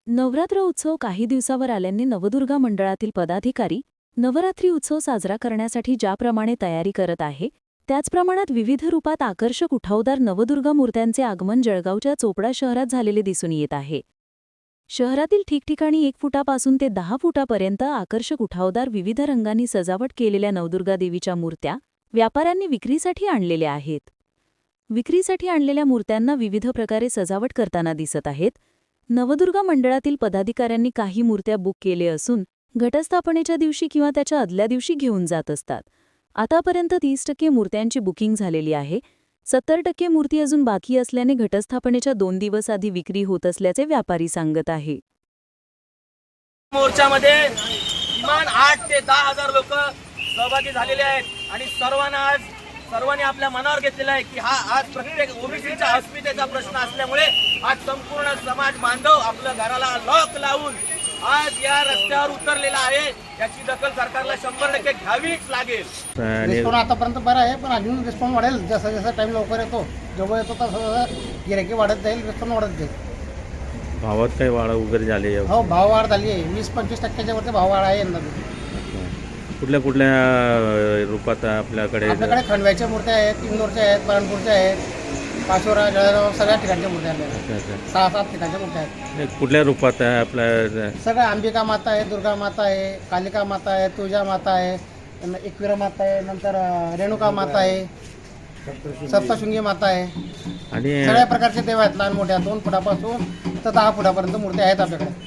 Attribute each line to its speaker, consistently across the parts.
Speaker 1: नवरात्र उत्सव काही दिवसावर आल्याने नवदुर्गा मंडळातील पदाधिकारी नवरात्री उत्सव साजरा करण्यासाठी ज्याप्रमाणे तयारी करत आहे त्याच प्रमाणात विविध रूपात आकर्षक उठावदार नवदुर्गा मूर्त्यांचे आगमन जळगावच्या चोपडा शहरात झालेले दिसून येत आहे। शहरातील ठिकठिकाणी 1 फुटापासून ते 10 फुटापर्यंत आकर्षक उठावदार विविध रंगांनी सजावट केलेल्या नवदुर्गा देवीच्या मूर्त्या व्यापाऱ्यांनी विक्रीसाठी आणलेल्या आहेत। विक्रीसाठी आणलेल्या मूर्त्यांना विविध प्रकारे सजावट करताना दिसत आहेत। नवदुर्गा मंडळातील पदाधिकाऱ्यांनी काही मूर्त्या बुक केले असून घटस्थापनेच्या दिवशी किंवा त्याच्या आदल्या दिवशी घेऊन जात असतात। आतापर्यंत 30% मूर्त्यांची बुकिंग झालेली आहे। 70% मूर्ती अजून बाकी असल्याने घटस्थापनेच्या 2 दिवस आधी विक्री होत असल्याचे व्यापारी सांगत आहे।
Speaker 2: मोर्चामध्ये किमान 8 ते 10 हजार लोक सहभागी झालेले आहेत आणि सर्वांनी आपल्या मनावर घेतलेला आहे की हा आज प्रत्येक ओबीसीच्या अस्मितेचा प्रश्न असल्यामुळे आज संपूर्ण समाज बांधव आपल्या घराला लॉक लावून आज या रस्त्यावर उतरलेला आहे। याची दखल सरकारला 100% घ्यावीच लागेल।
Speaker 3: रिस्पॉन्स आतापर्यंत बरा आहे, पण अजून रिस्पॉन्स वाढेल। जसा जसा टाइम लवकर येतो, जवळ येतो तसं गिरायकी वाढत जाईल, रिस्पॉन्स वाढत जाईल।
Speaker 4: भावात काही वाढ वगैरे झाली आहे?
Speaker 3: हो, भाव वाढ झाली आहे। 20-25% वरती भाव वाढ आहे यंदा।
Speaker 4: कुठल्या कुठल्या रूपात आपल्याकडे
Speaker 3: खंडव्याच्या मूर्त्या आहेत, इंदोरच्या आहेत, बरणपूरच्या आहेत, पाचोरा, जळगाव सगळ्या ठिकाणच्या मूर्त्या आहेत। 6-7 ठिकाणच्या मूर्त्या आहेत।
Speaker 4: कुठल्या रूपात आहे आपल्या?
Speaker 3: सगळ्या अंबिका माता आहे, दुर्गा माता आहे, कालिका माता आहे, तुळजा माता आहे, एकविरा माता आहे, नंतर रेणुका माता आहे, सप्तशृंगी माता आहे
Speaker 4: आणि
Speaker 3: सगळ्या प्रकारचे देव आहेत। लहान मोठ्या 2 फुटापासून तर 10 फुटापर्यंत मूर्त्या आहेत आपल्याकडे।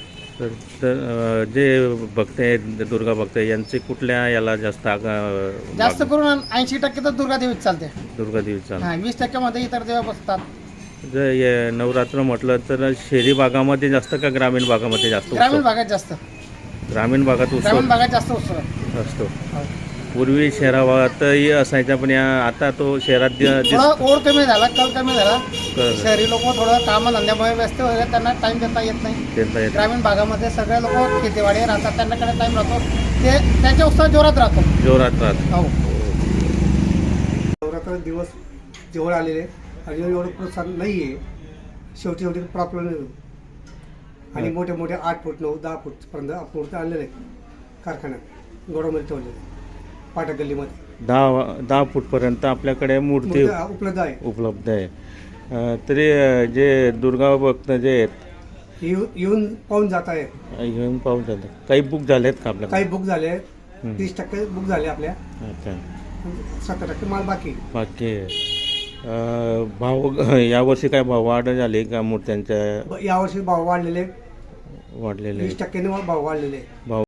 Speaker 4: तर जे भक्त आहेत, दुर्गा भक्त यांचे कुठल्या याला जास्त
Speaker 3: जास्त करून 80% तर दुर्गा देवीच चालते।
Speaker 4: दुर्गा देवीचा
Speaker 3: 20% मध्ये इतर देव बसतात।
Speaker 4: जर नवरात्र म्हटलं तर शहरी भागामध्ये जास्त का ग्रामीण भागामध्ये जास्त?
Speaker 3: ग्रामीण भागात जास्त।
Speaker 4: ग्रामीण भागात
Speaker 3: ग्रामीण भागात जास्त उत्सव
Speaker 4: असतो।
Speaker 3: हो।
Speaker 4: पूर्वी शहरातही असायचा, पण आता तो शहरात
Speaker 3: थोडा ओढ कमी झाला, कल कमी झाला। शहरी लोक थोडं कामधंद्यामुळे व्यस्त वगैरे, त्यांना टाइम देता येत नाही। ग्रामीण भागामध्ये सगळे लोक शेतीवाडी राहतात, त्यांच्याकडे टाइम राहतो, ते त्यांच्या उत्सव जोरात राहतो। हो,
Speaker 5: नवरात्र दिवस जवळ आलेले आणि एवढं प्रोत्साहन नाही आहे। शेवटी प्रॉब्लेम नाही आणि मोठे मोठे 8 फूट 9-10 फूटपर्यंत मूर्ती आणलेले आहेत कारखान्यात, गोडामध्ये ठेवलेले पाटा गल्लीमध्ये।
Speaker 4: 10 फूटपर्यंत आपल्याकडे मूर्ती उपलब्ध आहे। तरी जे दुर्गा भक्त जे आहेत
Speaker 5: येऊन पाहून जात आहेत,
Speaker 4: येऊन पाहून जातात। काही बुक झालेत का आपल्याकडे?
Speaker 5: काही बुक झाले, 30% बुक झाले आपल्या।
Speaker 4: अच्छा,
Speaker 5: 70% माल बाकी
Speaker 4: भाव यावर्षी काय भाव वाढ झाली का मूर्त्यांच्या?
Speaker 5: यावर्षी भाव वाढलेले,
Speaker 4: वाढलेले
Speaker 5: 20% भाव वाढलेले।
Speaker 4: भाव